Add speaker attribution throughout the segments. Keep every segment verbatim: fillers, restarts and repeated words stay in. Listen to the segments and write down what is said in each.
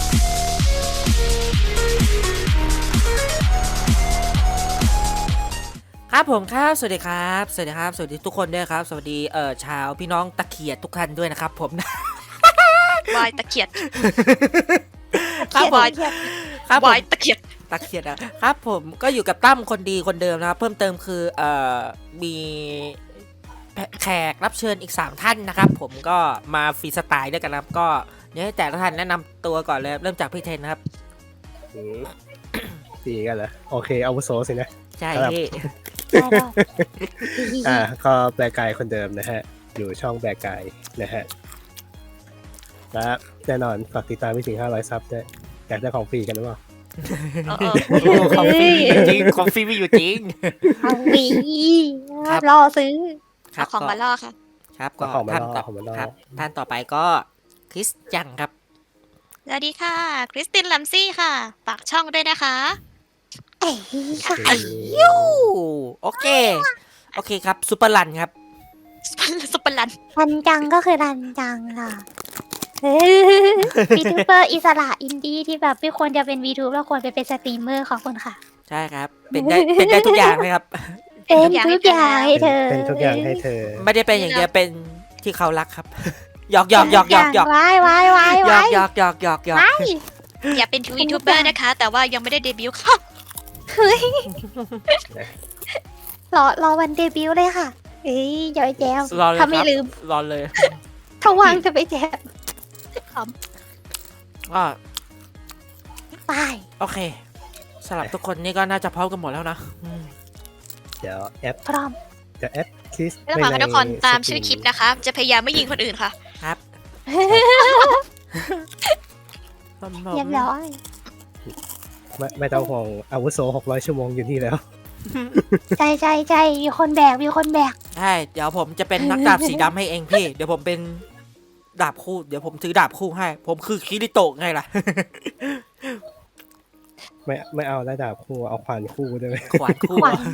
Speaker 1: ครับผมครับสวัสดีครับสวัสดีครับสวัสดีทุกคนด้วยครับสวัสดีเอ่อชาวพี่น้องตะเขียดทุกท่านด้วยนะครับผม
Speaker 2: วายตะเขียด
Speaker 1: ครับผม
Speaker 2: วาย
Speaker 1: ครับผม
Speaker 2: วายตะเขียด
Speaker 1: ตะเขียดนะครับผมก็อยู่กับตั้มคนดีคนเดิมนะครับเพิ่มเติมคือเอ่อมีแขกรับเชิญอีกสามท่านนะครับผมก็มาฟรีสไตล์ด้วยกันนะครับก็เดี๋ยวให้แต่ละท่านแนะนำตัวก่อนเลยเริ่มจากพี่เทนนะครับ
Speaker 3: อืมดีกันเหรอโอเคอาวุโสสินะ
Speaker 1: ใช่
Speaker 3: ครับ
Speaker 1: พี่
Speaker 3: อ่าก็แบกกายคนเดิมนะฮะอยู่ช่องแบกกายนะฮะและแน่นอนฝากติดตามพี่สิงห้าร้อยซับด้วยอยากได้ของฟรีกันหรือเปล่า
Speaker 2: เออเออ
Speaker 1: โอ้คอฟฟี่จริงคอฟฟี่ไม่อยู่จริง
Speaker 4: เอาวี
Speaker 1: ครับ
Speaker 4: รอซื้อ
Speaker 1: ครั
Speaker 2: เอาของมาล่อค่ะ
Speaker 1: ครับ
Speaker 3: ก็
Speaker 1: ก็
Speaker 3: ของมา
Speaker 1: ท่าน
Speaker 3: ล่อ
Speaker 1: ต่อ
Speaker 3: ของมาล่อ
Speaker 1: ครับท่านต่อไปก็คริสจังครับ
Speaker 2: สวัสดีค่ะ คริสตินลัมซี่ค่ะ ฝากช่องด้วยนะคะ
Speaker 4: เอ้ยค่ะ
Speaker 3: อืม
Speaker 1: ยูโอเค โอเคครับซูเปอร์ลันครับ
Speaker 2: สุปเปอร์ลัน
Speaker 4: รันจังก็คือรันจังค่ะวีทูเบอร์อิสระอินดี้ที่แบบไม่ควรจะเป็นวีทูบแล้วควรไปเป็นสตรีมเมอร์ขอบคุณค่ะ
Speaker 1: ใช่ครับ เป็นได้เป็นได้ทุกอย่างเลยครับ
Speaker 4: เป็นทุกอย่างให้เธอ
Speaker 3: เป็นทุกอย่างให้เธอ
Speaker 1: ไม่ได้เป็นอย่างเดียวเป็นที่เขารักครับ หยอกหยอกหยอกหยอกหยอก
Speaker 4: ว้ายว้ายว้าย
Speaker 1: หยอ
Speaker 4: ว้าก ย
Speaker 1: หยอกหยอกหยอกหยอก
Speaker 4: ว้าย
Speaker 2: อย่าเป็นทวีทูเบอร์นะคะ แต่ว่ายังไม่ได้เดบิวต์ค่ะ
Speaker 4: เฮ้ยรอรอวันเดบิวต์เลยค่ะเอ้ยอย่าไปแจม
Speaker 1: รอเลยค
Speaker 4: ถ้า
Speaker 1: รับ
Speaker 4: ไม่ลืม
Speaker 1: รอเลย
Speaker 4: ถ้าว่างจะไปแจม
Speaker 1: ก็
Speaker 4: ไป
Speaker 1: โอเคสำหรับทุกคนนี่ก็น่าจะพร้อมกันหมดแล้วนะอืม
Speaker 3: เดี๋ยวแอป
Speaker 4: พร้อม
Speaker 3: จะแอปคลิส
Speaker 2: ไม่ต้องฟังกันทุกคนตามชื่อคลิปนะคะ จะพยายามไม่ยิงคนอื่นค่ะ
Speaker 1: ครับผม
Speaker 4: เรียบร้อย
Speaker 3: ไม่ไม่ต้องห่วงอาวุโสหกร้อยชั่วโมงอยู่นี่แล้ว
Speaker 4: ใจใจใจมีคนแบกมีคนแบก
Speaker 1: ใช่เดี๋ยวผมจะเป็นนักดาบสีดำให้เองพี่ เดี๋ยวผมเป็นดาบคู่ เดี๋ยวผมถือดาบคู่ให้ ผมคือคิริโตะไงล่ะ
Speaker 3: ไม่ไม่เอาระดับคู่เอาขวานคู่ได้ไหม
Speaker 1: ขวานคู่
Speaker 4: ขวัญ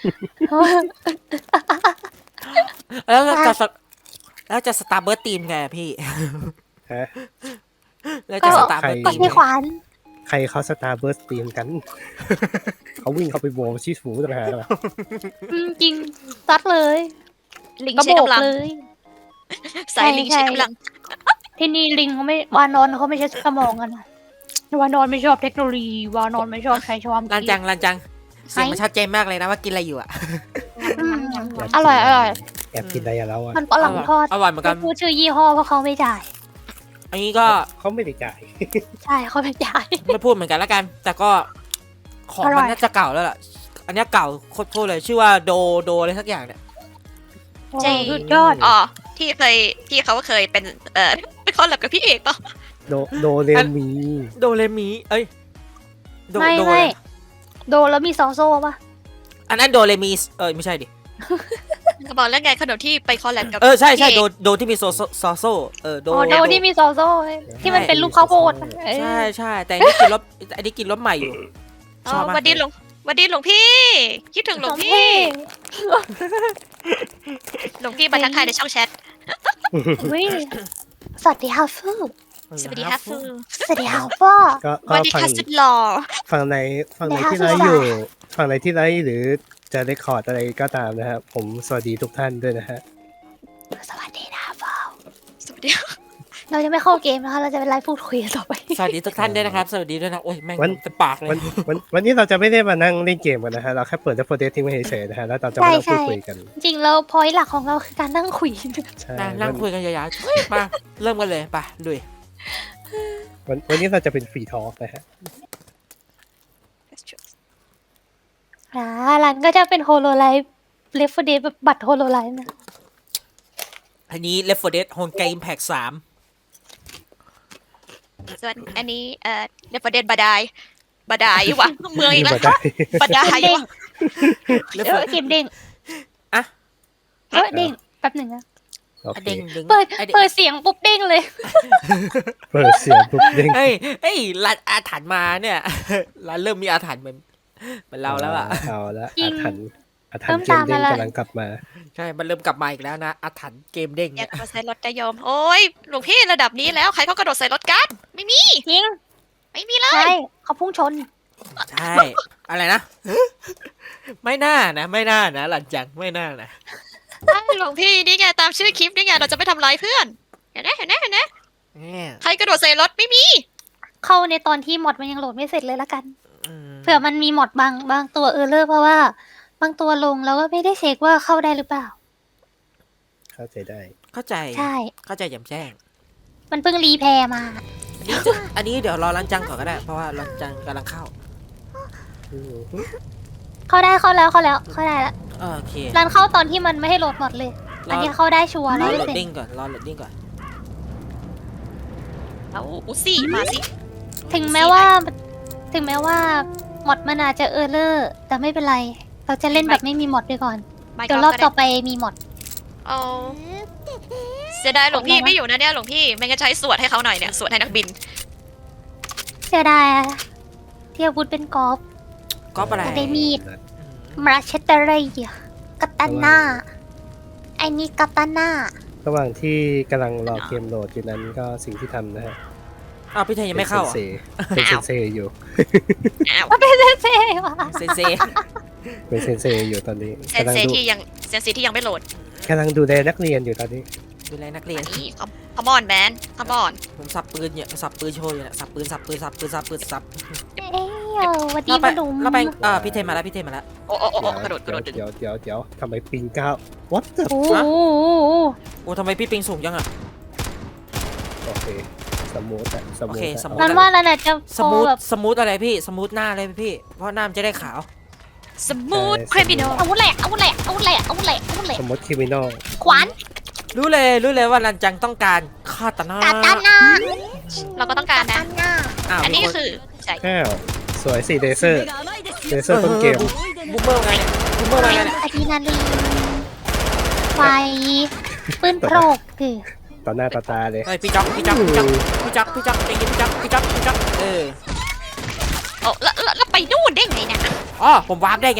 Speaker 1: แล้วจะสแล้วจะสตาร์เบิร์ตทีมไงอะพี่
Speaker 3: ฮะ
Speaker 1: แล้วจะสตาร์เบิร์ต
Speaker 4: ก็
Speaker 1: ทีม
Speaker 4: ไม่ขวัญ
Speaker 3: ใครเขาสตาร์เบิร์สตีมกัน เขาวิ่งเข้าไปโบว์ชีสฟูต่างหากเหรอ
Speaker 4: อืมจริงซัดเลย
Speaker 2: ลิง
Speaker 4: กระ
Speaker 2: ใช้
Speaker 4: โบก
Speaker 2: กำลัง
Speaker 4: เลย
Speaker 2: สายลิง
Speaker 4: ใช่
Speaker 2: ใช้
Speaker 4: ใช่
Speaker 2: กำลัง
Speaker 4: ที่นี่ลิงเขาไม่วานอนเขาไม่ใช้สมองกันนะวานอนไม่ชอบเทคโนโลยีวานอนไม่ชอบใช้ชวาม
Speaker 1: ลันจังลันจังเสียงมันชัดเจนมากเลยนะว่ากินอะไรอยู่อะ
Speaker 4: อืมอร่อยอร่อย
Speaker 3: แอบกินอะไรอะแล้วอ่ะ
Speaker 4: มันฝรั่งทอด
Speaker 1: อร่อยเหมือนกัน
Speaker 4: พูดชื่อยี่ห้อเพราะเขาไม่จ่าย
Speaker 1: อันนี้ก็
Speaker 3: เขาไม่ได้จ่าย
Speaker 4: ใช่เขาไม่จ่าย
Speaker 1: ไม่พูดเหมือนกันแล้วกัน แต่ก็ของ
Speaker 4: อร่
Speaker 1: มั
Speaker 4: อน ย
Speaker 1: น่าจะเก่าแล้วล่ะ อันเนี้ยเก่าโคตรๆเลยชื่อว่าโดโดอะไรสักอย่างเนี่ย
Speaker 4: โอ้
Speaker 2: จริง
Speaker 4: สุดยอด
Speaker 2: อ๋อ ที่เคยที่เขาเคยเป็น เอ่อเป็นคอลแลบกับพี่เอกปะ
Speaker 3: โดโดเรมี
Speaker 1: โดเรมีเอ้ยโด
Speaker 4: ไม่
Speaker 1: โด
Speaker 4: ไม่โดแล้วมีซอโซ่ปะ
Speaker 1: อันนั้นโดเรมีเออไม่ใช่ดิ
Speaker 2: เขาบอกแล้วไงขนมที่ไปคอลแลบกับ
Speaker 1: เออใช่ใช่
Speaker 2: พี่
Speaker 1: โด
Speaker 2: เอก
Speaker 1: โดที่มีโซโซซอโซเออโด
Speaker 4: อ๋อโดที่มีซอโซ่ที่มันเป็นลูกข้าวโพดอะเออ
Speaker 1: ใช่ใช่แต่อันนี้กินรสอันนี้กินรสใหม่อยู่
Speaker 2: อ๋
Speaker 1: ช
Speaker 2: อ
Speaker 1: อบมาก
Speaker 2: วันดีหลวงวันดีหลวงพี่ คิดถึงหลวงพี่ หลวงพี่มาทักทายในช่องแชท
Speaker 4: อุ๊ยสวัสดีฮาฟู
Speaker 2: สวัสดีค่ะฟู
Speaker 4: สวัสดีฮาฟ้อ
Speaker 3: ก็
Speaker 2: ส
Speaker 3: ก็
Speaker 2: วัสดี
Speaker 3: ฝั่ง
Speaker 2: ค่ะสุดหล่อ
Speaker 3: ฝั่งไหนฝั่งไหน
Speaker 4: นะคะ
Speaker 3: ที่ไลฟ์
Speaker 4: สุด
Speaker 3: อ
Speaker 4: สาย
Speaker 3: ยู่ฝั่งไหนที่ไลฟ์หรือจะได้คอร์ดอะไรก็ตามนะครับผมสวัสดีทุกท่านด้วยนะฮะ
Speaker 4: สวัสดีนะฮาฟ้อ
Speaker 2: สวัสดี
Speaker 4: เราจะไม่เข้าเกมนะคะเราจะเป็นไลฟ์พูดคุยกันต่อไป
Speaker 1: สวัสดีทุกท่านด้วยนะครับ สวัสดีด้วยนะโอ้ยแม่ง
Speaker 3: วัน
Speaker 1: เป็นปากเลย
Speaker 3: วันวันวันนี้เราจะไม่ได้มานั่งเล่นเกมกันนะฮะเราแค่เปิดแล้วโปรเดทิ้งไว้เฉยๆนะฮะแล้วเราจะไม่ต้อง
Speaker 4: ใช่
Speaker 3: พูด
Speaker 4: ใช่
Speaker 3: คุยกัน
Speaker 4: จริงแล้วพอยต์หลักของเราคือการนั่งคุย
Speaker 3: ใช่
Speaker 1: นะนั่ง
Speaker 3: วัน
Speaker 1: คุยกันยาวๆเฮ้ยมาเริ่มกันเลยไปลุย
Speaker 3: วันวันนี้เราจะเป็นฟรีทอล์กนะฮะ
Speaker 4: อ่ารันก็จะเป็นโฮโลไลฟ์เลฟเดแบบบัตรโฮโลไลฟ์นะ
Speaker 1: อันนี้ Left โฟร์ Dead Home Game Pack สาม
Speaker 2: ส่วนอันนี้เอ่อเดฟเดนบาดายบาดายวะเมืองอีกแล้ว
Speaker 3: ได้
Speaker 2: บาดายวะ
Speaker 4: เออเกมเด้ง
Speaker 1: อะ
Speaker 4: เออเด้งแป๊บหนึ่งนะ
Speaker 3: โอเค
Speaker 1: เด้งดึง
Speaker 4: เปิด
Speaker 1: ไอ้เด้ง
Speaker 4: เปิดเสียงปุ๊บเด้งเลย
Speaker 3: เปิดเสียงปุ๊บเด้ง
Speaker 1: เฮ้ยเฮ้ยร้านอาถรรพ์มาเนี่ยร้านเริ่มมีอาถรรพ์เหมือนเหมือนเราแล้วอ่ะ
Speaker 3: เอาละ
Speaker 4: จริ
Speaker 3: อาง ถรรพ์อาถรร
Speaker 4: เริ่
Speaker 3: พ์
Speaker 4: ม
Speaker 3: เกมเด้ง
Speaker 4: ตามมาละ
Speaker 3: กำลังกลับมา
Speaker 1: ใช่ มันเริ่มกลับมาอีกแล้วนะอาถรรพ์เกมเด้ง
Speaker 2: อยา
Speaker 1: เนี่
Speaker 2: ก
Speaker 1: ย
Speaker 2: มาใส่รถจะยอม โอ้ยหลวงพี่ระดับนี้แล้วใครเขากระโดดใส่รถกัน ไม่มี
Speaker 4: จริง
Speaker 2: ไม่มีเลย
Speaker 4: ใช่เขาพุ่งชน
Speaker 1: ใช่ อะไรนะ ไม่น่านะ ไม่น่านะ หลังจากไม่น่านะ
Speaker 2: หลวงพี่นี่ไงตามชื่อคลิปนี่ไงเราจะไม่ทำร้ายเพื่อนเห็นไหมเห็นไหมเห็นไหม
Speaker 1: เนี่ย
Speaker 2: ใครกระโดดใส่รถไม่มี
Speaker 4: เข้าในตอนที่มอดมันยังโหลดไม่เสร็จเลยละกัน
Speaker 1: อืม
Speaker 4: เผื่อมันมีมอดบางบางตัวเออร์เลอร์เพราะว่าบางตัวลงแล้วก็ไม่ได้เช็คว่าเข้าได้หรือเปล่า
Speaker 3: เข้าใจได้
Speaker 1: เข้าใจ
Speaker 4: ใช่
Speaker 1: เข้าใจแจ่มแจ้ง
Speaker 4: มันเพิ่งรีแพร์มา
Speaker 1: อันนี้จะอันนี้เดี๋ยวรอลันจังก่อนก็ได้ เพราะว่าลันจังกำลังเข้า
Speaker 3: อืม
Speaker 4: เข้าได้เข้าแล้วเข้าแล้วเข้าได้แล้ว
Speaker 1: โอเค
Speaker 4: รันเข้าตอนที่มันไม่ให้โหลดมอดเลย
Speaker 1: รออั
Speaker 4: อันนี้เข้าได้ชัวร์
Speaker 1: ร
Speaker 4: ร้
Speaker 1: อ
Speaker 4: อย
Speaker 1: โห
Speaker 4: เปอ
Speaker 1: ล
Speaker 4: ร์
Speaker 1: ด
Speaker 4: เซ็น
Speaker 1: ดิ้ง
Speaker 4: ต์
Speaker 1: ก่อน รอโหลดดิ้งก่อน
Speaker 2: เอาอุซี่มาสิ
Speaker 4: ถึงแม้ว่า ถึงแม้ว่ามอดมันอาจจะเออร์เลอร์แต่ไม่เป็นไร เราจะเล่นแบบไม่มีมอดไปก่อน
Speaker 2: ไม่
Speaker 4: เดี๋ยว
Speaker 2: ก็
Speaker 4: รอบ
Speaker 2: ได้
Speaker 4: ต่อไปมีมอด
Speaker 2: เอาเสียดายหลวงพี่ไม่อยู่นะเนี่ยหลวงพี่ไม่งั้นใช้สวดให้เขาหน่อยเนี่ยสวดให้นักบิน
Speaker 4: เสียดายอะที่อาวุธเป็นกอล์ฟ
Speaker 1: ก็อะไร
Speaker 4: แต่ได้มีด
Speaker 3: นัด
Speaker 4: มาเชตเตอร์กัตตาน่าไอ้นี่กัตตาน่า
Speaker 3: ระหว่างที่กำลังรอเกมโหลดอยู่นั้นก็สิ่งที่ทำนะฮะ
Speaker 1: อ้าวพี่เทยยังไม่เข้าเหรอ
Speaker 3: เป็นเซนเซเป็นเซนเซอยู่
Speaker 2: อ้าว
Speaker 4: มันเป็นเซ่ๆว่ะ
Speaker 1: เซเซ
Speaker 3: เป็นเซนเซอยู่ตอนนี้
Speaker 2: เซน
Speaker 3: กำลัง
Speaker 2: เซ
Speaker 3: ดู
Speaker 2: ที่ยังเซนซีที่ยังไม่โหลด
Speaker 3: กำลังดูแลนักเรียนอยู่ตอนนี้
Speaker 1: ดูแลนักเรียน
Speaker 2: นี่คอมอนแมนคอมอน
Speaker 1: ผมสับปืนเนี่ยสับปืนโชว์อยู่เนี่ยสับปืนสับปืนสับปืนสับปืนสับ
Speaker 4: เอ้ยวันดี
Speaker 1: เราไป
Speaker 4: มาดุม
Speaker 1: เราไปเออพี่เทยมาแล้วพี่เทยมาแล้ว
Speaker 2: โอ้โอ้โอ้โอ้กระโดดกระโดดดึง
Speaker 3: เดี๋ยวเดี๋ยวเดี๋ยวทำไมปิงเก้า what the
Speaker 4: โอ้โห
Speaker 1: โอ้ทำไมพี่ปิงสูงจังอะ
Speaker 3: โอเคสมูทอะสมูท
Speaker 1: โอเค
Speaker 3: อะ
Speaker 1: สมูท
Speaker 4: นั้นว่าแล้วน่ะจะ
Speaker 1: ส
Speaker 4: โฟ
Speaker 1: มูท
Speaker 4: แบบ
Speaker 1: สมูทอะไรพี่สมูทหน้าเลยพี่ เพราะหน้ามันจะได้ขาว
Speaker 2: สมูทคริมินอล
Speaker 4: อาวุธแหละอาวุธแหละอาวุธแหละอาวุธแหละอาวุธแหละ
Speaker 3: สมูทคริมินอล
Speaker 4: ขวาน
Speaker 1: รู้เลยรู้เลยว่ารันจังต้องการคาตานา
Speaker 4: กัตตาน่า
Speaker 2: เราก็ต้องการนะ
Speaker 4: กัตตาน่า
Speaker 1: อ้าว
Speaker 2: อันนี้
Speaker 1: มีค
Speaker 2: คือใช่
Speaker 3: อ้าวสวยสิเดเซอร์เดเซอร์ต้นเกม
Speaker 1: บูมเมอร์ไงเนี่ยบูมเมอร์ไงเนี่ย
Speaker 4: อะดรีนาลีนไฟปืนโปรกคือ
Speaker 3: ต่อหน้าต่อตาเลย
Speaker 1: เฮ้ยพี่จ๊อกพี่จ๊อกพี่จ๊อกพี่จ๊อกพี่จ๊อกพี่จ๊อกพี่จ๊อกพี่จ๊อกเออ
Speaker 2: โอ้แล้วแล้วแล้วไปนู่นได้ไงเนี่ย
Speaker 1: อ๋อผมวาร์ปได้ไง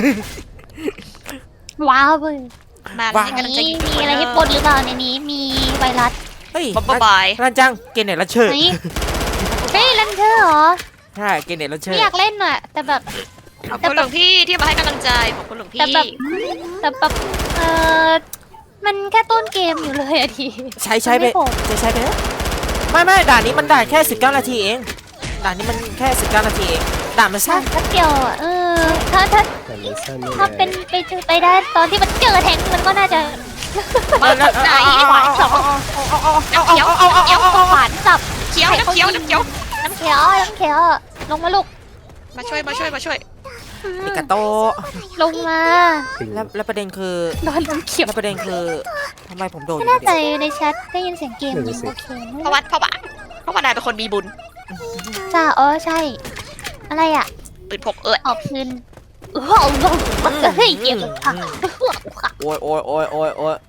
Speaker 4: ว้าวเว้ย
Speaker 2: มา
Speaker 1: ว่า
Speaker 2: เล่น
Speaker 4: อั
Speaker 2: กัน น
Speaker 4: นี้
Speaker 2: จะ
Speaker 4: มีอะไรให้ปนหรือเปล่าในนี้มีไวรัส
Speaker 1: เฮ้ย
Speaker 2: บ๊ายบาย
Speaker 1: รันจังเกเนตลันเชอร์
Speaker 4: ไหนเฮ้ยลันเชอร์เหรอ
Speaker 1: ใช่เกเนตลันเชอ
Speaker 4: ไม่
Speaker 1: ร์
Speaker 4: อยากเล่นอ่ะ แต่แบบ
Speaker 2: ขอบคุณหลวงพี่ที่มาให้กำลังใจขอบคุณหลวงพี่
Speaker 4: แต่แบบแต่แบบเออมันแค่ต้นเกมอยู่เลยอะที
Speaker 1: ใช้ใช้ไป
Speaker 4: ม่ผม
Speaker 1: จะใช้ไปนะไม่ไม่ด่านนี้มันด่านแค่สิบเก้านาทีเองด่านนี้มันแค่สิบเก้านาทีเองด่านมัน
Speaker 4: สั้
Speaker 1: สั้
Speaker 4: น
Speaker 1: น
Speaker 4: แป๊บเดียวอ่ะเออถ้าถ้า
Speaker 3: แต่มันสั้นนี่
Speaker 4: ถ้า
Speaker 3: แห
Speaker 4: เป็น
Speaker 3: ละ
Speaker 4: ไปเจอไปได้ตอนที่มันเจอแทงมันก็น่าจะ
Speaker 2: มาไหน
Speaker 4: ขวานสอง
Speaker 2: น้ำเขียวน้ำเขียว
Speaker 4: ขวานสับ
Speaker 2: เขียวน้ำเขียวน้ำเขียว
Speaker 4: น้ำเขียวน้ำเขียวลงมาลูก
Speaker 2: มาช่วยมาช่วยมาช่วย
Speaker 4: อืม
Speaker 1: มิกาโต
Speaker 4: ลงมา
Speaker 3: ปิง
Speaker 1: แล้วแล้วประเด็นคือ
Speaker 4: โดนน้ำเขียว
Speaker 1: แล้วประเด็นคือทำไมผมโดนอ
Speaker 4: ไม่
Speaker 1: ยู่
Speaker 4: แน่ใจ
Speaker 1: เดียว
Speaker 4: ในแชทได้ยินเสียงเกมอยู่โอเค
Speaker 2: เพราะว่าเพราะว่าเพราะว่านายเป็นคนมีบุญ
Speaker 4: จ้าอ๋อใช่ อะไรอ่ะ
Speaker 2: ปืนพกเอิด
Speaker 4: ออกคืนเออเอาลงเฮ้ยเกมค่ะ
Speaker 1: โอ้ยโอ้ยโอ้ยโอ้ยโอ้ย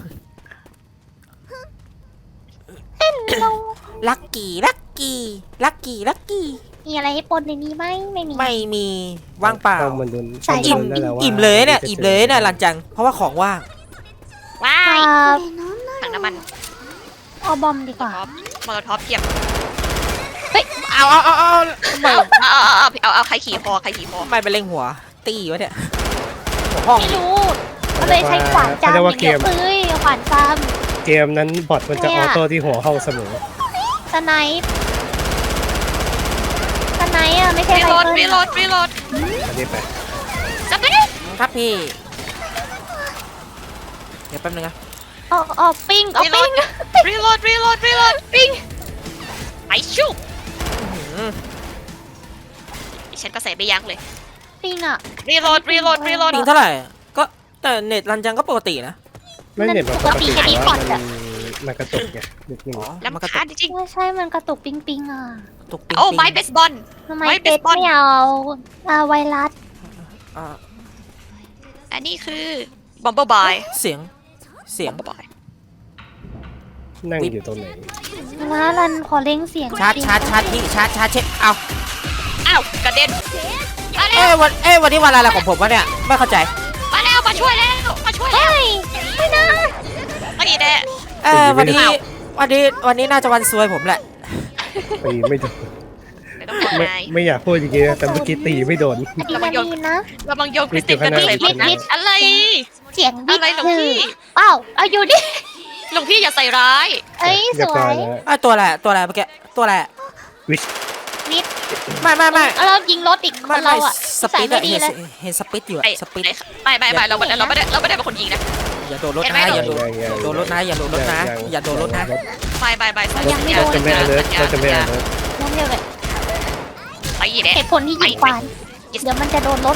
Speaker 4: เรา
Speaker 1: ลักกี้ลักกี้ลักกี้ลักกี้
Speaker 4: มีอะไรให้ปนในนี้ไหมไม่มี
Speaker 1: ไม่มีว่างเปล่า
Speaker 3: ต้องมันดุน
Speaker 4: ใส่
Speaker 3: ต้องมันนั่นแหละว่า
Speaker 1: อิ่มเลยเนี่ยอิ่มเลยเนี่ยลันจังเพราะว่าของว่าง
Speaker 2: ว้า
Speaker 4: อ่
Speaker 2: ย
Speaker 4: า
Speaker 2: ถังน้ำมัน
Speaker 4: เอาบอมดีกว่า
Speaker 2: ท็อปมอลท็อปเทียบ
Speaker 1: เอาเอาเอาเอาไม่
Speaker 2: เอาเอาเอาเอาเอาใครขี่คอใครขี่คอ
Speaker 1: ไม่ไปเล็งหัว ตีวะเนี่ยหัวห้อง
Speaker 4: ไม่รู้ก็เลยใช้ขวานจาม
Speaker 3: เขาเรียก
Speaker 4: อ
Speaker 3: ว่า
Speaker 4: ย่าง
Speaker 3: เก
Speaker 4: เดียว
Speaker 3: ม
Speaker 4: เอ้ยขวานจาม
Speaker 3: เกมนั้นบอทมันจะ
Speaker 4: เนี่
Speaker 3: อย อโต้ที่หัวห้องเสมอ
Speaker 4: สไนป์สไนป์อ่ะไม่ใช่
Speaker 2: รี
Speaker 4: ไร
Speaker 2: โหลด
Speaker 4: เฟิล
Speaker 2: รีโหลดรีโหลด
Speaker 3: อันนี้ไป
Speaker 2: จับไป
Speaker 1: ครับพี่ เดี๋ยวแป๊บนึงนะ
Speaker 4: เอาเอาปิ้งเอา
Speaker 2: รีโหล
Speaker 4: ปิ้
Speaker 2: ด
Speaker 4: ง
Speaker 2: รีโหลดรีโหลดรีโหลดปิ้งไปชุบ
Speaker 1: อื้อหือ
Speaker 2: ฉันก็ใส่ไปยักเลย
Speaker 4: ปิ้งอ่ะ
Speaker 2: รีโหลดรีโหลดรีโหลด
Speaker 1: ปิงเท่าไหร่ก็แต่เน็ตรันจังก็ปกตินะ
Speaker 3: ไม่เน็ตมันปกติ
Speaker 4: ปกติ
Speaker 3: แต่ว่า
Speaker 4: อันนี้
Speaker 3: มันมันกระตุกไงนิดนึง
Speaker 1: อ๋อ
Speaker 2: ลำ
Speaker 1: มันกระ
Speaker 2: คา
Speaker 1: ตุ
Speaker 2: ญ
Speaker 1: ก
Speaker 2: จริง
Speaker 4: ไม่ใช่มันกระตุกปิ้งปิ้งอ่ะ
Speaker 1: ตุกปิง
Speaker 2: โอ้
Speaker 1: ปิง
Speaker 2: ไม้เบสบอล
Speaker 4: ทำไม
Speaker 2: ไม่
Speaker 4: เป็ด
Speaker 2: เบสบอล
Speaker 4: ไม่เอาอ่าไวรัส
Speaker 1: อ่า
Speaker 2: อันนี้คือบอมเบอร์บาย
Speaker 1: เสียง เสียง
Speaker 2: บอมเบอร์บาย
Speaker 3: นั่งอยู่ตรงไหน
Speaker 4: นะรันขอเล่งเสียง
Speaker 1: ชาร์จชาร์จชาร์จพี่ชาร์จชาร์จเช็คเอา
Speaker 2: อ้าวกระเด็นมาแล้
Speaker 1: เอ้
Speaker 2: วย
Speaker 1: วันเอ้ยวันนี้วันอะไรของผมวะเนี่ยไม่เข้าใจ
Speaker 2: มาแล้วมาช่วยแล้วมาช่วยแล้ว
Speaker 4: เฮ้ยไม่นะ
Speaker 2: ไม่แน่
Speaker 1: เอ้ยวันนี้วันนี้วันนี้น่าจะวันซวยผมแหละ
Speaker 3: ปีไม่โดน
Speaker 2: ไม่ต้องห่วง
Speaker 3: ไม่
Speaker 2: นาย
Speaker 3: ไม่อยากพูดอย่างเงี้ยแต่เมื่อกี้ตีไม่โดน
Speaker 4: อะดรีนาลีนนะ
Speaker 2: ระวังโยนคริสติกกันใส่รถนะอะไร
Speaker 4: เสียงบิ
Speaker 2: อะ
Speaker 4: ด
Speaker 2: ไรหลวง
Speaker 4: คือ
Speaker 2: พี่
Speaker 4: ว้าวเอาอยู่ดิ
Speaker 2: หลวงพี่อย่าใส่ร้าย
Speaker 4: เอ้ยส
Speaker 3: เรียบ
Speaker 4: ว
Speaker 3: ร้อย
Speaker 4: ย
Speaker 3: แล้ว
Speaker 1: อ่ะตัวอะไรตัวอะไรเมื่อกี้ตัวอะไร
Speaker 3: วิช
Speaker 4: วิท
Speaker 1: ไม่ไม่ไม่
Speaker 4: แล้วเรายิงรถอีกค
Speaker 1: ไม่
Speaker 4: น
Speaker 1: ไม่
Speaker 4: เราอะ
Speaker 1: ส
Speaker 4: ใส่
Speaker 1: ปิด
Speaker 4: ไม่
Speaker 1: อะ
Speaker 4: ดี
Speaker 1: เห็น
Speaker 4: เลย
Speaker 1: เห็นสปิดอยู่อะ
Speaker 2: ไอ้
Speaker 1: สปิด
Speaker 2: ไอ้ไม่ไม่ไม่เราไม่ได้เราไม่ได้เราไม่ได้เป็นคนยิงนะ
Speaker 1: อย่าโดนรถ
Speaker 2: เห็นไหม
Speaker 1: นะอย่าโดน
Speaker 3: ยังยัง
Speaker 1: โดนรถนะอย่าโดนรถนะอย่าโดนรถนะ
Speaker 2: ไปไปไปสัญ
Speaker 4: ยังไม่
Speaker 2: ญา
Speaker 4: โดน
Speaker 3: จะไม่อเลิร์เราจะไม่อเลิร์
Speaker 4: น้องเดียวเลย
Speaker 2: ไปอีกแล้ว
Speaker 4: เหตุผลที่ยิงควานเดี๋ยวมันจะโดนรถ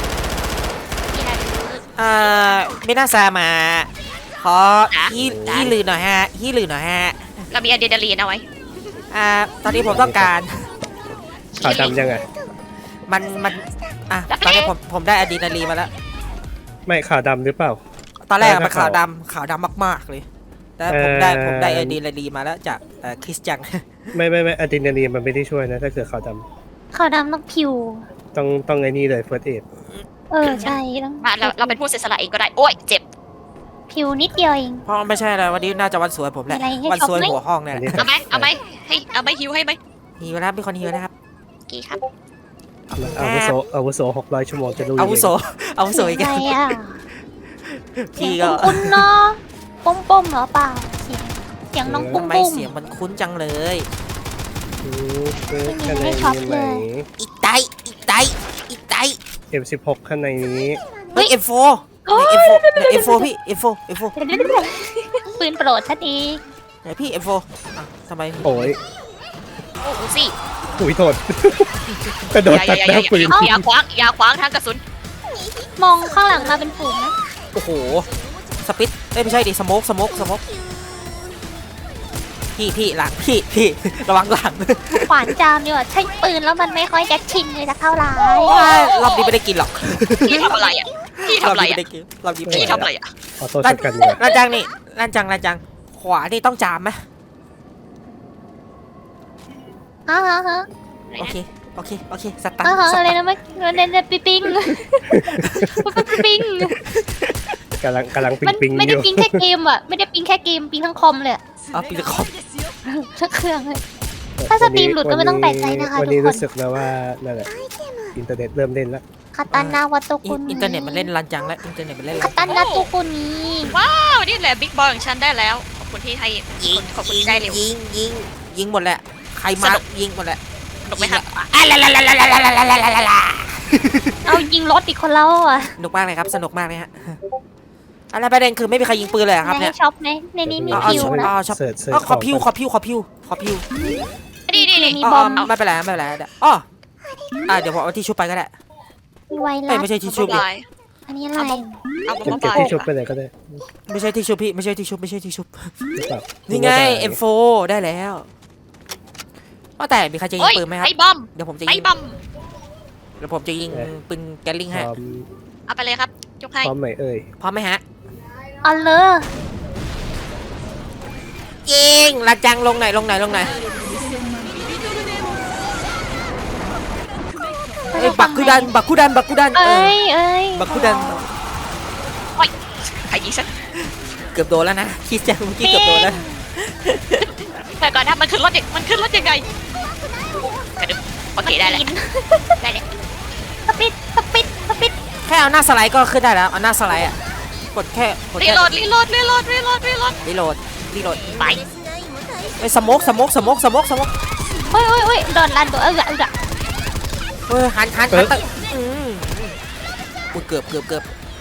Speaker 1: อ่าไม่น่าซามาขอฮีฮีลือหน่อยฮะฮีลือหน่อยฮะ
Speaker 2: เรามีอะดรีนาลีนเอาไว้
Speaker 1: อ่าตอนนี้ผมต้องการ
Speaker 3: ขาวดำยังไง
Speaker 1: มันมันอ่ะตอนนี้ผมผมได้อะดรีนาลีนมาแล้ว
Speaker 3: ไม่ขาวดำหรือเปล่า
Speaker 1: ตอนแรกอะ
Speaker 3: แล้ว
Speaker 1: มัน
Speaker 3: ถ้า
Speaker 1: ขาว
Speaker 3: ขาว
Speaker 1: ดำขาวดำมากๆเลยแต่ผมได้
Speaker 3: เอ่อ
Speaker 1: ผมได้อะดรีนาลีนมาแล้วจากเอ่อคริสจัง
Speaker 3: ไม่ไม่ไม่อะดรีนาลีนมันไม่ได้ช่วยนะถ้าเกิดขาวด
Speaker 4: ขาวดำต้องผิว
Speaker 3: ำต้องต้องไอ้นี่เลยเฟิร์สเอด
Speaker 4: เออใช่ต้อง
Speaker 2: มาเราเราเป็นผู้เสียสละเองก็ได้โอ้ยเจ็บ
Speaker 4: ผิวนิดเดียวเอง
Speaker 1: เพราะไม่ใช่แล้ววันนี้น่าจะวันสวยผมแหละ
Speaker 4: มีอะไรให้
Speaker 1: วันสวย
Speaker 4: ช็อปไหม
Speaker 1: หัวห้องเนี่ยแหละ
Speaker 2: เอาไหมเอาไหมให้เอาไหมฮิวให้ไหม
Speaker 1: หิวนะครับมีคนหิวนะครับ
Speaker 2: กี่ครับ
Speaker 3: อาวุโสอาวุโสหกร้อยชั่วโมงจะรู้
Speaker 1: อาวุโสอาวุโสอีก
Speaker 4: เสียงอะไรอ่ะ
Speaker 1: พี่
Speaker 4: เสีย
Speaker 1: ก็
Speaker 4: งคุ้นๆเนาะปุ้มปุ้มๆเหรอเปล่าเสียงเสียงน้องปุ้ม
Speaker 1: ทำไม
Speaker 4: ปุ้ม
Speaker 1: เสียงมันคุ้นจังเลย
Speaker 3: อืมคือข้างใน
Speaker 4: ไม่ช็อป
Speaker 3: มี
Speaker 4: เล
Speaker 3: ไหน
Speaker 4: ย
Speaker 1: อีกไตอีกไตอีกไต
Speaker 3: เอ็มสิบหกข้างในนี้
Speaker 1: เฮ้ยเอ็มโฟเอ็มโฟเอ็มโฟพี่เอ็มโฟเอ็มโฟ
Speaker 4: ปืนโปรดฉันเอง
Speaker 1: ไหนพี่เอ็มโฟทำไม
Speaker 3: โอ้ย
Speaker 2: โอ้โหสิ
Speaker 3: อุ้ยโทษ กระโดดตัดหน้าปืน
Speaker 2: อย่าขวางอย่าขวางทางกระสุน
Speaker 4: มองข้างหลังมาเป็นฝูงนะ
Speaker 1: โอ้โหสปิดเอ้ยไม่ใช่ดิสโมกสโมกสโมกพี่พี่หลังพี่พี่ระวังหลัง
Speaker 4: ขวานจามดีกว่าใช้ปืนแล้วมันไม่ค่อยจะชินเลยสักเท่าไหร่
Speaker 1: รอบนี้ไม่ได้กินหรอก
Speaker 2: พี่ทำอะไรอ่ะพี่
Speaker 1: รอ
Speaker 2: ทำ
Speaker 1: บ
Speaker 2: อะไร
Speaker 1: นี้ไม่
Speaker 2: อ่ะ
Speaker 1: ได้กินรอบนี้ไม่
Speaker 2: พี่
Speaker 1: ได้
Speaker 2: ทำอะไรอ่ะ
Speaker 3: ออโต้ช็อตกันเนี่ย
Speaker 1: ร้านจังนี่ร้านจังร้านจังขวานี่ต้องจามไหม
Speaker 4: ฮะฮะฮะ
Speaker 1: โอเคโอเคโอเคสตา
Speaker 4: ฮะ
Speaker 1: ร์
Speaker 4: ฮะ
Speaker 1: ทส
Speaker 4: อะไร
Speaker 1: ตาร์ท
Speaker 4: นะเมื่อเน้นๆปิ๊งปิ๊งปิ๊ง
Speaker 3: กำลังกำลังปิ
Speaker 4: มั
Speaker 3: ง
Speaker 4: น
Speaker 3: ปิง
Speaker 4: ไม่
Speaker 3: อ
Speaker 4: ได้
Speaker 3: ยู่
Speaker 4: ปิ๊งแค่เกมอ่ะไม่ได้ปิ๊งแค่เกมปิ๊งทั้งคอมเลยอะ
Speaker 1: เอาปีคอม
Speaker 4: ทั้งเครื่องเลย ถ้าสตรีมหลุดก็ไม่ต้องแปลกใจนะคะ
Speaker 3: วันนี้
Speaker 4: ทุกคน
Speaker 3: รู้สึกแล้วว่านั่นแหละอินเทอร์เน็ตเริ่มเล่นแล้ว
Speaker 4: คาตานาวัตโตคุ
Speaker 1: อินเทอร์เน็ตมันเล่นร้านจังแล้วอินเทอร์เน็ตมันเล่น
Speaker 4: คา
Speaker 1: ร้านจัง
Speaker 4: ตานาโตคุนี้
Speaker 2: ว้าวนี่แหละบิ๊กบอลของฉันได้แล้วขอบคุณที่ให้ขอบคุณที่ได้เร็ว
Speaker 1: ยิงยิงยิงหมดแหละใครมา
Speaker 2: สนุก
Speaker 1: ยิงหมดแหละ
Speaker 2: ถูกไหมครับ
Speaker 1: อ่ะลาลาลาลาลาลาลาลาลาลา
Speaker 4: เอายิงรถอีกคนแล้วอ่ะ
Speaker 1: สนุกมากเลยครับสนุกมากเลยฮะอะไรประเด็นคือไม่มีใครยิงปืนเลยเหรอครับ
Speaker 4: ใน
Speaker 1: เนี่ย
Speaker 4: ช็อปไหมในนี้มี
Speaker 1: อ๋ออ๋อ
Speaker 4: คิว
Speaker 1: ช็อป
Speaker 4: นะ
Speaker 1: อ๋อช็อป
Speaker 3: เสิร์ชเสิร์
Speaker 1: อ๋อ
Speaker 3: ช
Speaker 1: ขอพิวขอพิวขอพิวขอพิว
Speaker 2: นี่นี่นี่
Speaker 4: มี
Speaker 1: อ๋อบ อ๋
Speaker 4: อ
Speaker 1: อ
Speaker 4: ม
Speaker 1: ไม่เป็นไรไม่เป็นไรเดี๋ยวอ๋ออ่ะเดี๋ยวผมเอาที่ชุบไปก็ได้
Speaker 4: มีไว
Speaker 1: เอ้
Speaker 4: รั
Speaker 1: ย
Speaker 4: ส
Speaker 1: ไม่ใช่ที่ชุบดิ
Speaker 2: บาย
Speaker 4: อันนี้อะไร
Speaker 2: เอาบ
Speaker 3: เก็บ
Speaker 2: อม
Speaker 3: เก็บบ
Speaker 2: าย
Speaker 3: ที่ชุบไปไหนก็ได้
Speaker 1: ไม่ใช่ที่ชุบพี่ไม่ใช่ที่ชุบไม่ใช่ที่ชุบ
Speaker 3: หรือเปล่า
Speaker 1: นี่ไง เอ็ม โฟ ได้แล้วว่าแต่มีใครจะยิ
Speaker 2: โอ้
Speaker 1: ง
Speaker 2: ย
Speaker 1: ปืนไหมครับ
Speaker 2: ไอ้บอม
Speaker 1: เดี๋ยวผมจะ
Speaker 2: ไอ้
Speaker 1: ยิง
Speaker 2: บอม
Speaker 1: เดี๋ยวผมจะยิงปืนแกลลิง
Speaker 3: พ
Speaker 1: ให้
Speaker 3: ร้อม
Speaker 2: เอาไปเลยครับยกให้
Speaker 3: พร้อมไหมเอ่ย
Speaker 1: พร้อมไหมฮะ
Speaker 4: เอาเลย
Speaker 1: ยิงลาจังลงไหนอยลงไหนอยลงไหนอยเอ้ยบักคุดันบักคุดันบักคุดันเอ
Speaker 4: เอ้
Speaker 1: อย
Speaker 4: เอ้ย
Speaker 1: บักคุดัน
Speaker 2: ใครยิงฉัน
Speaker 1: เกือบโดนแล้วนะคิดจังเมื่อกี้เกือบโดนแล้ว
Speaker 2: แต่ก่อนนะมันขึ้นรถยังมันขึ้นรถยังไงกระดึ๊บโอเคได้แล้วได้แล้ว
Speaker 4: สปิดสปิดสปิด
Speaker 1: แค่เอาหน้าสไลด์ก็ขึ้นได้แล้วเอาหน้าสไลด์อ่ะกดแค่กด
Speaker 2: รี
Speaker 1: แค่
Speaker 2: โหลดรีโหลดรีโหลดรีโหลดรีโหลด
Speaker 1: รีโหลดรีโหลด
Speaker 2: ไป
Speaker 1: ไอ้ยสโมกสโมกสโมกสโมกสโมก
Speaker 4: เฮ้ยเฮ้ยเฮ้ยโดนลันตัวเออเออ
Speaker 1: เฮ้ยหันหันหันตึ้งอืมอุ้ยเกือบเกือบเกือบ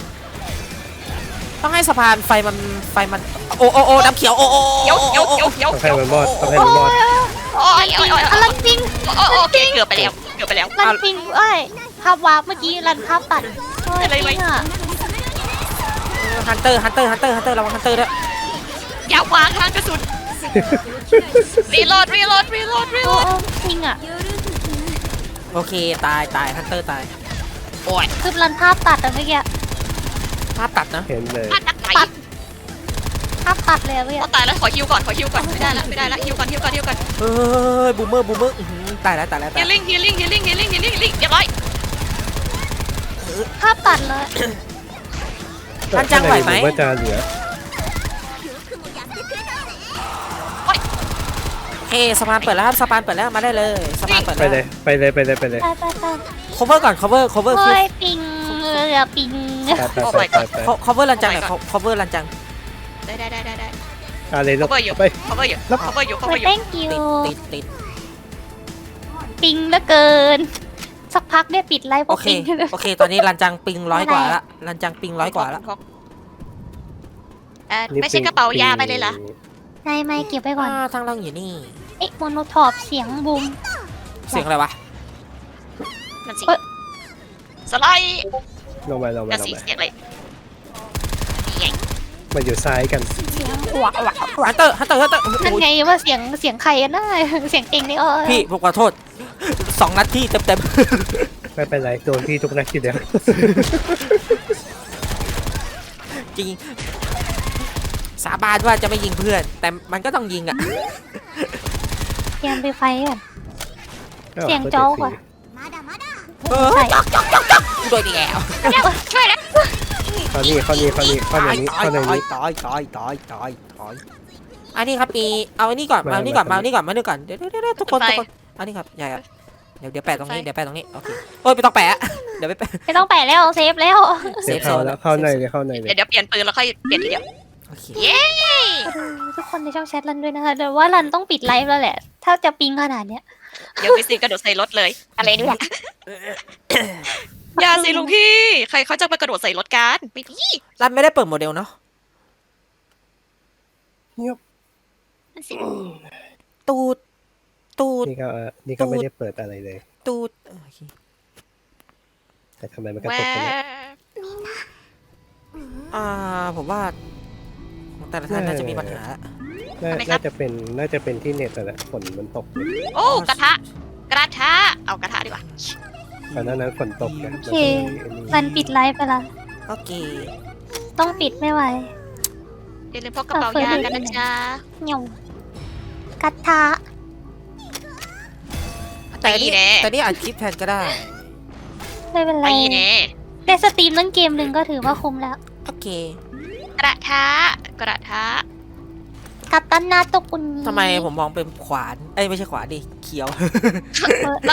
Speaker 1: ต้องให้สะพานไฟมันไฟมันโอ้โอ้โอ้น้ำเขียวโอ้โอ้
Speaker 2: เดี๋ยวเดี๋ยวเดี๋ยวเดี๋ยว
Speaker 3: ต้องให้มันมอดต้องให้มันมอด
Speaker 2: โอ้ยโอ้ยโอ้ย
Speaker 4: อลันจริง
Speaker 2: โอ้ยโอเคเกือบไปแล้วเกือบไปแล้ว
Speaker 4: ลันจริงเอ้ยภาพวาร์ปเมื่อกี้ลันภาพตัดเฮ้ยจริงอ่ะ
Speaker 1: ฮันเตอร์ฮันเตอร์ฮันเตอร์ฮันเตอร์ระวังฮันเตอร์ด้วย
Speaker 2: อย่าวางทางกระสุนรีโหลดรีโหลดรีโหลดรีโหล
Speaker 4: โอ้
Speaker 2: ด
Speaker 4: โอ้จริงอ่ะ
Speaker 1: โอเคตายตายฮันเตอร์ตาย
Speaker 2: โอ้ย
Speaker 4: คือลันภาพตัดอะเมื่อกี้
Speaker 1: ภาพตัดนะ
Speaker 3: เห็นเลย
Speaker 2: พลาดนักไหน
Speaker 4: ภาพตัดเลยอะเมื่อกี้
Speaker 2: ต้องตายแล้วขอฮิวก่อนขอฮิวก่อนไม่ได้ละไม่ได้ละฮิวก่อนฮิวก่อนฮิวก่อน
Speaker 1: เฮ้ยบูมเมอร์บูมเมอร์อื้อหือตายแล้วตายแล้วตา
Speaker 2: ฮี
Speaker 1: ย
Speaker 2: ลิ่งฮีลิ่งฮีลิ่งฮีลิ่งฮีลิ่งฮีลิ่งเรียบร้อย
Speaker 4: ภาพตัดเลย
Speaker 1: ฮันจังไหวไหม
Speaker 3: ว่าจะเหลือ
Speaker 1: โเคสะพานเปิดแล้วครับสะพานเปิดแล้วมาได้เลยสะพานเปิด
Speaker 3: ไป
Speaker 1: แล้ว
Speaker 3: เลยไปเลยไปเลยไปเลย
Speaker 4: ไปไปไป
Speaker 1: cover ก่อน cover cover
Speaker 4: โอ้
Speaker 1: คือย
Speaker 4: ปิงเรือปิง
Speaker 3: ไปไปไปไป
Speaker 1: cover ลันจังหน่อย cover ลันจัง
Speaker 2: ได้ได้ได้ได้ได้
Speaker 3: อะไรลูก
Speaker 2: cover อยู่
Speaker 3: ไป
Speaker 2: cover อยู่ cover อยู่
Speaker 4: โอ้
Speaker 2: cover
Speaker 4: ย
Speaker 2: อยู่
Speaker 4: thank you
Speaker 1: ติดติดติด
Speaker 4: ปิงเหลือเกิน สักพักเนี่ยปิดไลฟ์เพ
Speaker 1: โอ
Speaker 4: ราะ
Speaker 1: เค
Speaker 4: ปิง
Speaker 1: โอเคตอนนี้ลันจังปิงร้อยกว่าละลันจังปิงร้อยกว่าละ
Speaker 2: เอ่อไม่ใช่กระเป๋ายาไปเลยเหรอ
Speaker 4: ไม่ไม่เก็บไว้ก่อน
Speaker 1: อ่าทางเราอยู่นี่
Speaker 4: เอ๊ะโมโนทอปเสียงบูม
Speaker 1: เสียงอะไรวะ
Speaker 2: นั่นสิ
Speaker 4: เอ้ย
Speaker 2: สไลด์
Speaker 3: ลงไปลงไป
Speaker 2: นั่น
Speaker 3: ลง
Speaker 2: สิ
Speaker 3: ไป
Speaker 2: เสียงอะไรนี่ไง
Speaker 3: มาอยู่ซ้ายกัน
Speaker 4: เสียงหวะหวะหวะ
Speaker 1: ฮันเตอร์ฮันเตอร์ฮันเตอร์
Speaker 4: นั่นไงว่าเสียงเสียงใครกันนะเสียงเองนี่เออ
Speaker 1: พี่ผมขอโทษสองนัดที่เต็มเต็ม
Speaker 3: ไม่เป็นไรโดนพี่ทุกนัดทีเดียว
Speaker 1: จริงสาบานว่าจะไม่ยิงเพื่อน แต่มันก็ต้องยิงอ่ะ
Speaker 4: เตรียมไปไฟก่อน เสียงโจ๊กอะ
Speaker 1: เออ
Speaker 4: ใช่
Speaker 1: โดยดีแล้ว
Speaker 2: ช่วยแล้ว
Speaker 3: ข้อนี้ข้อนี้ข้อนี้ข้อนี้ข้อนี้
Speaker 1: ตายตายตายตายตายอันนี้ครับมีเอาอันนี้ก่อนมาอันนี้ก่อนมาอันนี้ก่อนมาอันนี้ก่อนเดี๋ยวเดี๋ยวเดี๋ยวทุกคนทุกคนอันนี้ครับใหญ่ครับเดี๋ยวเดี๋ยวแปะตรงนี้เดี๋ยวแปะตรงนี้โอเคโอ้ยไม่ต้องแปะเดี๋ยวไปแปะ
Speaker 4: ไม่ต้องแปะแล้วเซฟแล้ว
Speaker 3: เดี๋ยวเข้าแล้วเข้าในเลยเข้าในเลย
Speaker 2: เดี๋ยวเดี๋ยวเปลี่ยนปืนแล้วค่อยเปลี่ยนทีเดียว
Speaker 1: โอเค
Speaker 2: เย้
Speaker 4: ทุกคนในช่องแชทรันด้วยนะคะแต่ว่ารันต้องปิดไลฟ์แล้วแหละ ถ้าจะปิงขนาดเนี้ย
Speaker 2: เดี๋ยวพี่ซีกระโดดใส่รถเลย อะไรเนี่ย อย่าสิลุงพี่ ใครเขาจะมากระโดดใส่รถกันไม่ดี
Speaker 1: รันไม่ได้เปิดโมเดลเนาะ
Speaker 3: เงียบ
Speaker 2: นั่นสิ
Speaker 1: ตูดตูด
Speaker 3: นี่ก็เออนี่ก็ไม่ได้เปิดอะไรเลย
Speaker 1: ตูดโอเค
Speaker 3: แต่ทำไมมันกระ
Speaker 2: แว
Speaker 3: ตุกกันเนี่ย
Speaker 1: อ่าผมว่าของแต่ละท่านน่าจะมีปัญหา
Speaker 3: น่าน่าจะเป็นน่าจะเป็นที่เน็ตแหละฝนมันตกอยู่
Speaker 2: โอ้กระทะ กระทะ เอากระทะดีกว่า
Speaker 3: ตอนนั้นนั้นฝนตกนะ
Speaker 4: โอเค รันปิดไลฟ์ไปละ
Speaker 1: โอเค
Speaker 4: ต้องปิดไม่ไหว
Speaker 2: อย่าลืมพกกระเป๋ายากันนะจ๊ะ
Speaker 4: เหนียวกระทะ
Speaker 1: แต่นี่
Speaker 2: ตีแน่
Speaker 1: แต่นี่อัดคลิปแทนก็ได้
Speaker 4: ไม่เป็นไร
Speaker 2: ไปแน่
Speaker 4: ได้สตรีมตั้งเกมหนึ่งก็ถือว่าคุ้มแล้ว
Speaker 1: โอเค
Speaker 2: กระทะ กระทะ
Speaker 4: กัปตันนาตกุล
Speaker 1: ทำไมผมมองเป็นขวานเอ้ยไม่ใช่ขวานดิเขียว
Speaker 4: เออ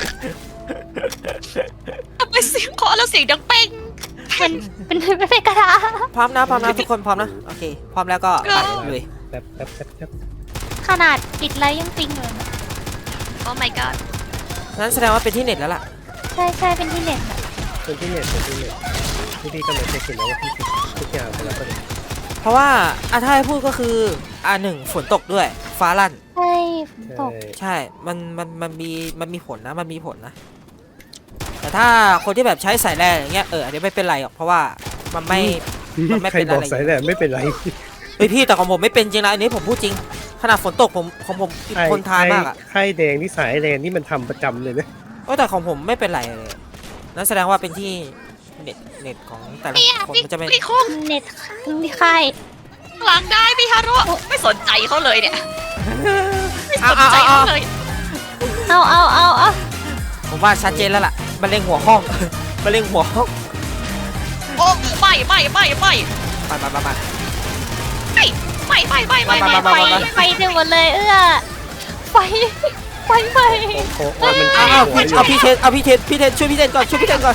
Speaker 2: ทำไมเสียงเคาะแล้วเสียงดังเป้ง
Speaker 4: มันเป็นไม่เป็นกระทะ
Speaker 1: พร้อมนะพร้อมนะทุกคนพร้อมนะโอเคพร้อมแล้วก็
Speaker 2: ก็
Speaker 1: ไปเลย
Speaker 3: แป๊บแป๊บแป๊บแป๊บ
Speaker 4: ขนาดปิดไลฟ์ยังปิงเลย
Speaker 2: โอ้ my god
Speaker 1: นั้นแสดงว่าเป็นที่เน็ตแล้วล่ะ
Speaker 4: ใช่ใช่เป็นที่เน็ต
Speaker 3: เป็นที่เน็ตเป็นที่เน็ตที่พี่กำลังเช็คอยู่นะว่าพี่ปิดทุกอย่างไปแล้วก็เลย
Speaker 1: เพราะว่าอ่ะถ้าให้พูดก็คืออ่ะหนึ่งฝนตกด้วย ฟ้าลั่น
Speaker 4: ใช่ฝนตก
Speaker 1: ใช่ มันมันมันมีมันมีผลนะมันมีผลนะ แต่ถ้าคนที่แบบใช้สายแรงอย่างเงี้ยเอออันนี้ไม่เป็นไรหรอกเพราะว่ามันไม่ มันไม่
Speaker 3: ใคร
Speaker 1: เป็น
Speaker 3: บอ
Speaker 1: อะ
Speaker 3: ก
Speaker 1: ไร
Speaker 3: สายแหลมไม่เป็นไร
Speaker 1: เฮ้ยพี่แต่ของผมไม่เป็นจริงนะอันนี้ผมพูดจริงขนาดฝนตกผมของผมทนทานมากอ่ะ
Speaker 3: ไข่แดงที่สายแดงนี่มันทำประจำเลยนะ
Speaker 1: เออแต่ของผมไม่เป็นไรเลยนั่นแสดงว่าเป็นที่เน็ตเน็ตของแต่ละ
Speaker 2: เนี่ย
Speaker 1: คน
Speaker 2: พี่
Speaker 1: มันจะไม่
Speaker 2: พี่คง
Speaker 4: เน็ตที่ค่าย
Speaker 2: หลังได้พี่ฮารุไม่สนใจเขาเลยเนี่ย ไม่ส
Speaker 1: เอา
Speaker 2: น
Speaker 1: เอา
Speaker 2: ใจ
Speaker 1: เอา
Speaker 2: เขา
Speaker 1: เอา
Speaker 2: เลย
Speaker 4: เอาเอาเอาเอา
Speaker 1: ผมว่าชัดเจนแล้วล่ะมันเล็งหัวห้อง มันเล็งหัวห้อง
Speaker 2: โอ้ไม่ไม่ไม่ไม่
Speaker 1: มามามามา
Speaker 2: ไม่ไม่ไม่ไม่ไม่
Speaker 1: มา
Speaker 2: ไม่
Speaker 1: มา
Speaker 4: ไฟ
Speaker 1: มา
Speaker 4: ไฟเต็มหมดเลยเอื้อไฟไฟไฟ
Speaker 3: โอ้โหมัน
Speaker 1: เอาเอา
Speaker 3: หัว
Speaker 1: พี่
Speaker 3: อยู่
Speaker 1: เอาพี่เทนเอาพี่เทนพี่เทนช่วยพี่เทนก่อนช่วยพี่เทนก่อน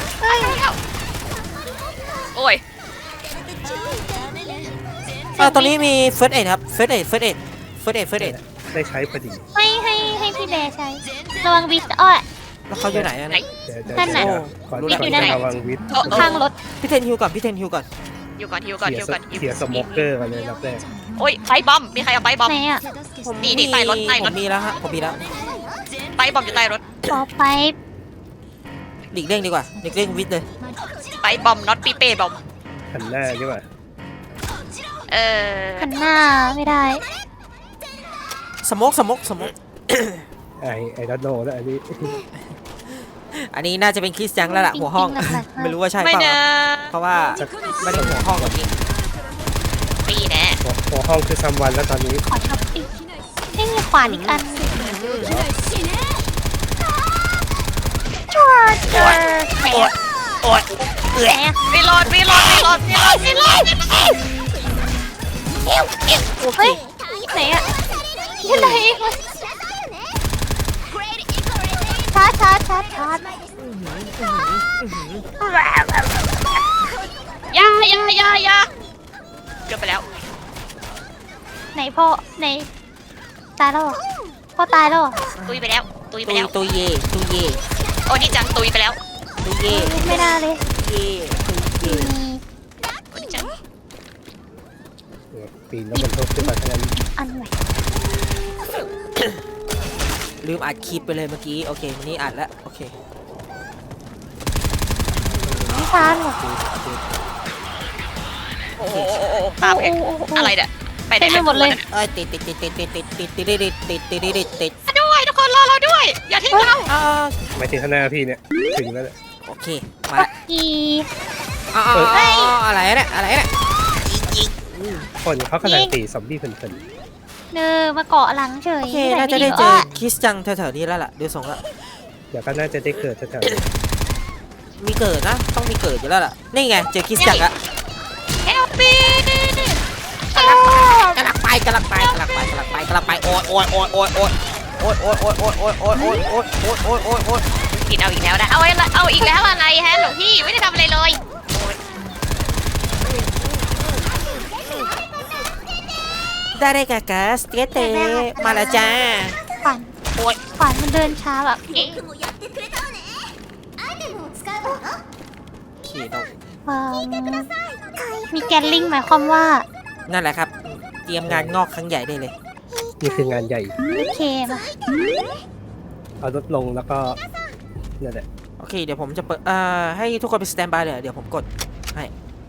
Speaker 2: โอ้ย
Speaker 1: เออตอนนี้มีเฟิร์สเอ็ดครับเฟิร์สเอ็ดเฟิร์สเอ็ดเฟิร์สเอ็ดเฟิร์สเอ็ด
Speaker 3: ได้ใช้พอดี
Speaker 4: ให้ให้ให้พี่แบร์ใช้ระวังวิสอ้อย
Speaker 1: แล้วเขาอยู่ไหนอะ
Speaker 2: ไหน
Speaker 3: เดี๋ยวเดี๋ยว
Speaker 4: นั่นน่ะ
Speaker 3: เดี๋ยวขอ
Speaker 1: รู้
Speaker 3: ข
Speaker 1: แล้ว
Speaker 3: อ
Speaker 4: อยู่นั่นน่ะ
Speaker 3: ระวังวิทย์
Speaker 2: โอ้โอ้
Speaker 4: ข้างรถ
Speaker 1: พี่เทนฮิวก่อนพี่เทนฮิวก่อน
Speaker 2: อยู่ก่อนฮิวก่อน
Speaker 3: เสีย
Speaker 2: ฮิวก่อน
Speaker 3: เสียสโมกเกอร์กันเลยรับแรก
Speaker 2: โอ้ยไฟบอมมีใครเอาไฟบอม
Speaker 4: ไหนอ่ะ
Speaker 1: ผม
Speaker 2: นี่นี่ใต้รถใต้รถ
Speaker 1: ผมมีแล้วฮะผมมีแล้ว
Speaker 2: ไฟบอมอยู่ใต้รถ
Speaker 4: ขอไฟ
Speaker 1: หลีกเลี่ยงดีกว่าหลีกเลี่ยงวิทย์เลย
Speaker 2: ไฟบอมน็อตปีเป้บอม
Speaker 3: หันหน้าดีกว่า
Speaker 2: เออ
Speaker 4: หันหน้าไม่ได้
Speaker 1: สโมกสโมกสโมก
Speaker 3: ไอไอดันโนแล้วอันนี้
Speaker 1: อันนี้น่าจะเป็นคริสยังแล้วล่ะหัวห้อง
Speaker 4: จริงๆหนักๆ
Speaker 1: ไม่รู้ว่าใช่
Speaker 2: ไม่
Speaker 1: เปล่า
Speaker 2: นะ
Speaker 1: เพราะว่าไม่ได้หัวห้องแบบนี้
Speaker 2: ปีแน่
Speaker 3: หัวหัวห้องคือซัมวันแล้วตอนนี้
Speaker 4: ขอทับอีกไม่มีขวานอีกอันจอร์จไหน
Speaker 1: โอ๊ยโอ๊ย
Speaker 4: ไหนอะ
Speaker 2: มีรอดมีรอดมีรอดมีรอดมีรอด
Speaker 4: เฮ้ยไหนอะที่ไหนชาร์จชาร์จชาร์จชาร์จ
Speaker 2: อยาอยาอยาอยาเกือบไปแล้ว
Speaker 4: ไหนพ่อไหนตายแล้วเหรอพ่อตายแล้วเหรอ
Speaker 2: ตุยไปแล้ว ตุยไป
Speaker 1: ตุย
Speaker 2: แล้ว
Speaker 1: ตุยเย่ตุยเย่
Speaker 2: โอ้นี่จังตุยไปแล้ว
Speaker 1: ตุยเย่
Speaker 4: ไม่น่าเลย
Speaker 1: เย่ตุยเย่
Speaker 4: มี
Speaker 2: โอ้นี่จัง
Speaker 3: ปีนแล้วมันทุบขึ้นมาทั้งนั้น
Speaker 4: อันไหน
Speaker 1: ลืมอัดคลิปไปเลยเมื่อกี้โอเควันนี้อัดแล้วโอเค
Speaker 4: ไม่ชาร์จหรอ
Speaker 2: โอ้โหโอ้โหตามเองอะไรเนี่ยไปได้
Speaker 4: เต็มไปหมดเลย
Speaker 1: เอ้ยติดติดติดติดติดติดติดติดติดติดติดติดติดติด
Speaker 2: ด้วยทุกคนรอเราด้วย อย่าทิ้งเรา
Speaker 1: อ่า
Speaker 3: ไม่ถึงข้างหน้าพี่เนี่ยถึงแล้วแหละ
Speaker 1: โอเคมาละ
Speaker 4: อี
Speaker 1: อ๋ออะไรเนี่ยอะไรเนี่ย
Speaker 3: คนเขากำลังตีซอมบี้เพลิน
Speaker 4: เนอมาเกาะหลังเฉย
Speaker 1: โอเคน่าจะได้เจอคิสจังแถวๆนี้แล้วล่ะดูทรงละ
Speaker 3: ๆเดี๋ยวก็น่าจะได้เกิดแถวๆนี้
Speaker 1: มีเกิดนะต้องมีเกิดอยู่แล้วล่ะนี่ไงเจอคิสจังละ
Speaker 2: เฮลปี
Speaker 1: กำลังไปกำลังไปกำลังไปกำลังไปกำลังไปโอ๊ยโอ๊ยโอ๊ยโอ๊ยโอ๊ยโอ๊ยโอ๊ยโอ๊ยโอ๊ยโอ๊ยโอ๊ยโอ๊ยโอ๊ยโอ๊ยโอ๊ยโอ๊ยโอ๊ย
Speaker 2: กินเอาอีกแล้วนะเอาอะไรเอาอีกแล้วอะไรฮะหลวงพี่ไม่ได้ทำอะไรเลย
Speaker 1: ได้ได้กะกะสเตเตมาแล้วจ้า
Speaker 4: ฝัน
Speaker 2: โอ๊ย
Speaker 4: ฝันมันเดินช้าแบบ
Speaker 2: เอ๊ะ
Speaker 1: ขี่ต้อง
Speaker 4: เอิ่มมีแกนลิงหมายความว่า
Speaker 1: นั่นแหละครับเตรียมงานงอกครั้งใหญ่ได้เลย
Speaker 3: นี่คืองานใหญ่
Speaker 4: โอเคมา
Speaker 3: เอารถลงแล้วก็นั่นแหละ
Speaker 1: โอเคเดี๋ยวผมจะเปิดอ่าให้ทุกคนไปสแตนบายเลยเดี๋ยวผมกดให้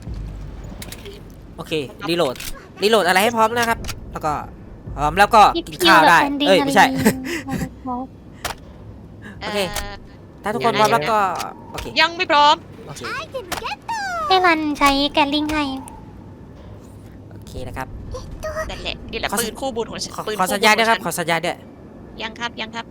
Speaker 1: โอเครีโหลดรีโหลดอะไรให้พร้อมนะครับแล้วก็พร้อมแล้วก็
Speaker 4: พี่
Speaker 1: กิน
Speaker 4: พิว
Speaker 1: ข้าว
Speaker 4: กับ
Speaker 1: ได้
Speaker 4: แผ่นดิน
Speaker 1: เอ้ยไม่ใช่
Speaker 4: อะไร
Speaker 1: โอเค ถ้าทุกคนพร้อมแล้วก็โอเค
Speaker 2: ยังไม่พร้อม
Speaker 1: โอเค
Speaker 4: ให้รันใช้แกนลิงให้
Speaker 1: โอเคนะครับ
Speaker 2: นั่นแหละนี่แหละ
Speaker 1: ขอ
Speaker 2: ปืนคู่บุญของฉัน
Speaker 1: ขอ
Speaker 2: ปืน
Speaker 1: ขอ
Speaker 2: คู่
Speaker 1: สัญญาณ
Speaker 2: บุ
Speaker 1: ด้วยครับ
Speaker 2: ของ
Speaker 1: ขอสัญญาณด้วย
Speaker 2: ฉันยังครับยังครับ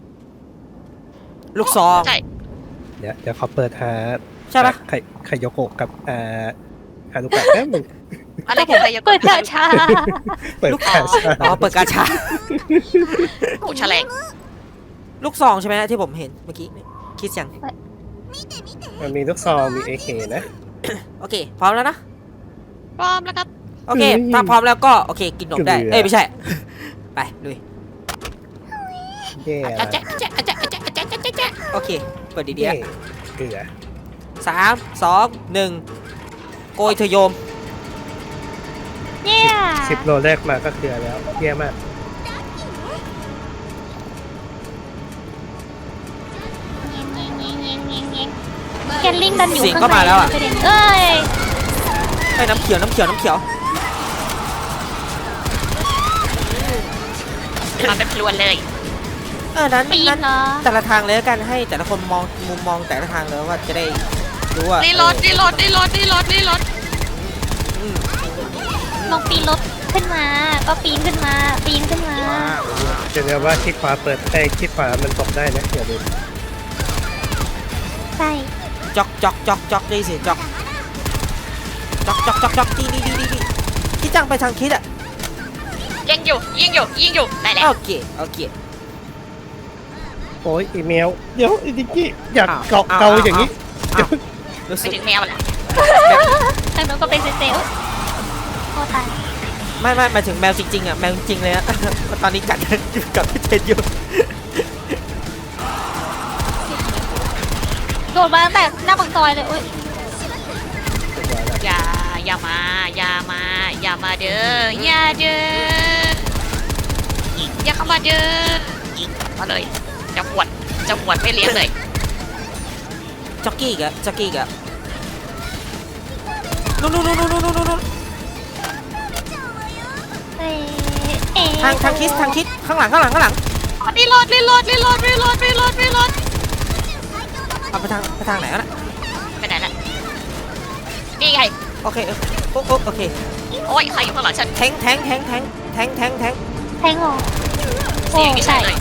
Speaker 1: ลูกซอง
Speaker 2: ใช่
Speaker 3: เดี๋ยวเดี๋ยวขอเปิดหา
Speaker 1: ใช่ปะ
Speaker 3: ไข่ไข่โยโกะกับอ่าฮารุกะแป๊บนึง
Speaker 2: อะไรคือใครจะ
Speaker 4: เปิดกาชา
Speaker 3: เปิดกาชา
Speaker 1: อ๋อเปิดกาชา
Speaker 2: โอ้แฉลง
Speaker 1: ลูกซองใช่ไหมที่ผมเห็นเมื่อกี้คิดยัง
Speaker 3: มันมีลูกซองมีเอเคนะ
Speaker 1: โอเค พร้อมแล้วนะ
Speaker 2: พร้อมแล้วครับ
Speaker 1: โอเค
Speaker 3: อืม
Speaker 1: ถ้าพร้อมแล้วก็โอเคกินนมได้
Speaker 3: เกลือ
Speaker 1: เอ้ยไม่ใช่ไปลุย
Speaker 3: เย่
Speaker 1: อาจ๊ะอาจ๊ะอาจ๊ะอาจ๊ะอาจ๊ะอาจ๊ะอาจ๊ะโอเคเปิดดี
Speaker 3: เย่
Speaker 1: ๆ
Speaker 3: เกลือ
Speaker 1: สามสองหนึ่งโกยเธอโยม
Speaker 4: เนี่ย
Speaker 3: สิบโลแรกมาก็เกลือแล้วเย่มาก
Speaker 4: แกนลิงดันอยู่
Speaker 1: เสียง
Speaker 4: ข้าง
Speaker 1: ก็
Speaker 4: ใน
Speaker 1: มาแล้วอะ
Speaker 4: ประเด็นเอ้ย
Speaker 1: ไอ้ยน้ำเขียวน้ำเขียวน้ำเขียว
Speaker 2: มาเป็นพลวนเลย
Speaker 1: เออนั้น
Speaker 4: ปีน
Speaker 1: นั้น
Speaker 4: เหรอ
Speaker 1: แต่ละทางเลยแล้วกันให้แต่ละคนมองมุมมองแต่ละทางเลยว่าจะได้รู้ว่า
Speaker 2: รีโหลดรีโหลดรีโหลดรีโหลดรีโหลด
Speaker 1: อืม
Speaker 4: ลองปีนรถขึ้นมา ก็ปีนขึ้นมา ปีนขึ้นมา
Speaker 1: ว้าว
Speaker 3: จะเรียกว่าคลิกขวาเปิดไอ้คลิกขวามันตกได้นะอย่าลืม
Speaker 4: ใช่
Speaker 1: จอกจอกจอกจอกได้สิจอกจอกจอกจอกจอกดีดีดีดีดีคิดจังไปทางคิดอ่ะ
Speaker 2: ยิงอยู่ยิงอยู่ยิงอยู่ได้แล้ว
Speaker 1: โอเคโอเค
Speaker 3: โอ้ยอีเมลเดี๋ยวไอ้ดิกกี้อยาก
Speaker 1: อ้าว
Speaker 3: เกา
Speaker 1: อ้าว
Speaker 3: เกาอย่างนี้
Speaker 1: อ้าวรู้
Speaker 2: ไป
Speaker 1: สึก
Speaker 2: ถึงแมวแหละ
Speaker 4: ทางโน้นก็เป็นเซเซลโคตรตาย
Speaker 1: ไม่ไม่หมายถึงแมวจริงๆอ่ะแมวจริงๆเลยอะ ตอนนี้กัดอยู่กับพี่เทนอยู่
Speaker 4: โดดมาตั้งแต่หน้าปากซอยเลยโอ้ย
Speaker 2: อย่าอย่ามาอย่ามาอย่ามาเด้ออย่าเด้ออย่าเข้ามาเด้อมาเลยจะหวดจะหวดไม่เลี้ยงเลย
Speaker 1: จ็อกกี้อีกอะจ็อกกี้อีกอะนู่นนู่นนู่นนู่นนู่นนู่น
Speaker 4: เอ้ยเอ๊ะ
Speaker 1: ทางทางคิดทางคิดข้างหลังข้างหลังข้างหลัง
Speaker 2: รีโหลดรีโหลดรีโหลดรีโหลดรีโหลดรีโหลด
Speaker 1: เอาไปทางไปทางไหนวะน่ะ
Speaker 2: ไปไหนล่ะนี่ไง
Speaker 1: โอเคโอ้โอ้โอเค
Speaker 2: โอ้ยใครอยู่ข้างหลังฉัน
Speaker 1: แทงแทงแทงแทงแทงแทงแทง
Speaker 4: แทงเหรอ
Speaker 2: เสียงไม่ใช่เลย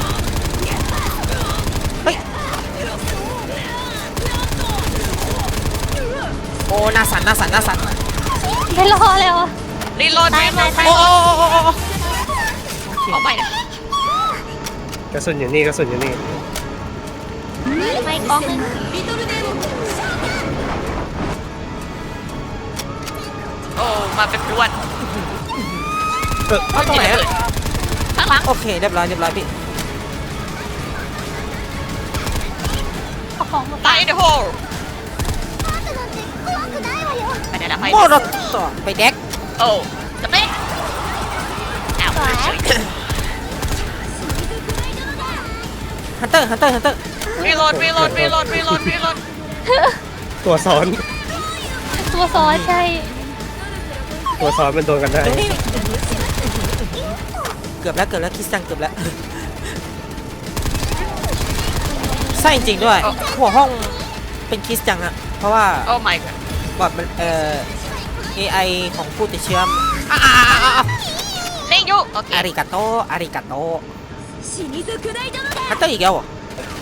Speaker 1: โอ้หน้าสั่นหน้าสั่นหน้าสั่น
Speaker 4: ไม่รอแล้วอะ
Speaker 2: รีโหลด
Speaker 4: ตาย
Speaker 2: รีโหล
Speaker 4: ตาย
Speaker 2: ด
Speaker 4: ตาย
Speaker 1: โอ้โอ้โอ้โอ้โอ้โอเค
Speaker 2: เอาไปนะ
Speaker 3: กระสุนอยู่นี่กระสุนอยู่นี่
Speaker 4: มาอีกกองหนึง
Speaker 2: โอ้มาเป็นรวน
Speaker 1: เอาตรงไหนอะ
Speaker 2: ข้างหลัง
Speaker 1: โอเคเรียบร้อยเรียบร้อยพี่
Speaker 4: เอาของมา
Speaker 2: ไลท์เดอะโฮลไปไหนละไป
Speaker 1: โมรถต่อไปแดก
Speaker 2: โอ้จะไม่อ้าว
Speaker 4: สวย
Speaker 1: ฮันเตอร์ฮันเตอร์ฮันเตอร์
Speaker 2: รีโหลดรีโหลดรีโหลดรีโหลดรีโหลด
Speaker 3: ตัวซ้อน
Speaker 4: ตัวซ้อนใช่
Speaker 3: ตัวซ้อนมันโดนกันได้
Speaker 1: เกือบแล้วเกือบแล้วคิสตังเกือบแล้วใช่จริงๆด้วยหัวห้องเป็นคิสจังอะเพราะว่า
Speaker 2: โอ้ my god
Speaker 1: บอดมันเอ่อ เอ ไอ ของผู้ติดเชื้ออ่ะอ่ะอ่ะอ่ะอ่ะ
Speaker 2: เล่งอยู่โอเค
Speaker 1: อาริกาโตอาริกาโตฮันเตอร์อีกแล้วเหรอ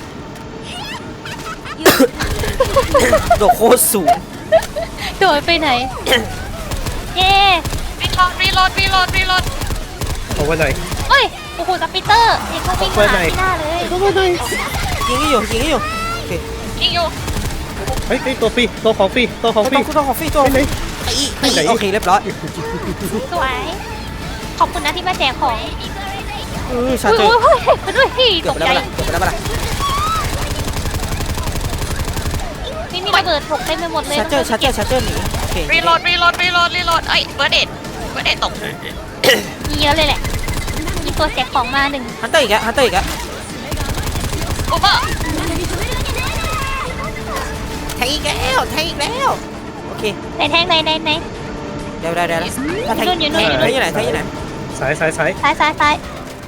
Speaker 1: โดดโคตรสูง
Speaker 4: โดดไปไหน เย้
Speaker 2: รีโหลดรีโหลดรีโหลดรีโหลด
Speaker 3: เอาไว้หน่อย
Speaker 4: เฮ้ย โอ้โหสปิเตอร์เด็กเขาวิ่งมาหาที่หน้าเลย
Speaker 3: เอาไว้หน่อย
Speaker 1: ยิงให้อยู่ยิงให้อยู่โอเค
Speaker 2: ยิงอยู่
Speaker 3: เฮ้ยเฮ้ยตัวฟรีตัวของฟรีตัวของฟรี
Speaker 1: ต้องต้องของฟรีตัว
Speaker 3: ไปไหน
Speaker 1: ตี
Speaker 3: ไปไหน
Speaker 1: ตีโอเคเรียบร้อย
Speaker 4: สวย ขอบคุณนะที่มาแจกของ
Speaker 1: เออชา
Speaker 4: อุ้ย
Speaker 1: เจอ
Speaker 4: อุ้ยอุ้ยมาด้วยพี่
Speaker 1: เกื
Speaker 4: ต
Speaker 1: อบ
Speaker 4: ก
Speaker 1: ไป
Speaker 4: ใจ
Speaker 1: แล้วปะล่ะเกือบไปแล้วปะล่ะ
Speaker 4: นี่มีระเบิดถกเต็มไปหมดเลย
Speaker 1: ชาเจอร์ชาเจอร์ชาเจอร์หนีโอเค
Speaker 2: รีโหลดรีโหลดรีโหลดรีโหลดเอ้ยเบิร์ดเอ็ดเบิร์ดเอ็ดตก
Speaker 4: มีเยอะเลยแหละ มีตัวแจกของมาหนึ่ง
Speaker 1: ฮันเตอร์อีกแล้วฮันเตอร์อีกแล้ว
Speaker 2: โอเวอร์
Speaker 1: แทงอีกแล้วแทงอีกแล้วโอเค
Speaker 4: ไหนแทงไหนไหนไหน
Speaker 1: เดี๋ยวเดี๋ยวเดี๋ยวถ้าแทง
Speaker 4: อยู่นู่นอยู่นู่น
Speaker 1: แทงอยู่ไหนแทงอยู่ไหน
Speaker 3: ซ้ายซ้ายซ้าย
Speaker 4: ซ้ายซ้ายซ้าย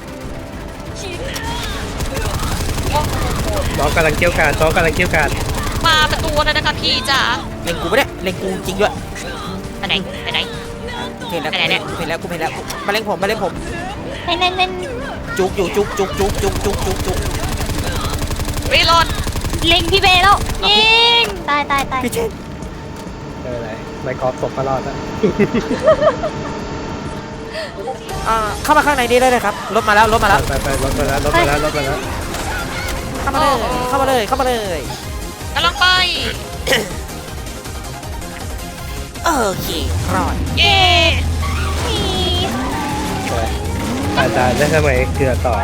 Speaker 3: น้องกำลังเกี่ยวการน้องกำลังเกี่ยวการ
Speaker 2: มาเป็นตัวเลยนะคะพี่จ๋า
Speaker 1: เล็งกูไม่ได้เล็งกูจริงด้วย
Speaker 2: ไปไหนไปไหน
Speaker 1: เห็นแล้ว
Speaker 2: ไหนเนี่ย
Speaker 1: กูเห็นแล้วกูเห็นแล้วมาเล็งผมมาเล็งผม
Speaker 4: ไหนไหนไหน
Speaker 1: จุกอยู่จุกจุกจุกจุกจุกจุกจุก
Speaker 2: รีโหลด
Speaker 4: เล็งพี่เบย์แล้วยิงตายตายตาย
Speaker 1: พี่เชน
Speaker 3: เอออะไรไมค์กอล์ฟตกก็รอดแล้ว
Speaker 1: อ่าเข้ามาข้างในนี้ได้เลยครับรถมาแล้วรถมาแล้ว
Speaker 3: ไปไปรถมาแล้วรถมาแล้วรถมาแล้ว
Speaker 1: เข้ามาเลยเข้ามาเลยเข้ามาเลย
Speaker 2: กำลังไป
Speaker 1: โอเครอด
Speaker 2: เย้
Speaker 3: อาจารย์ได้ทำไมเกลือต่อ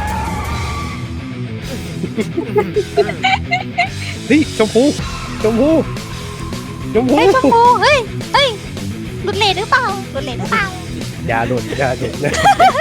Speaker 3: เฮ้ยชมพูชมพูชมพู
Speaker 4: เฮ้ยชมพูเฮ้ยเฮ้ยหลุดเลนหรือเปล่าหลุดเลนหรือเปล่า
Speaker 3: อย่าหลุดอย่าหลุดนะ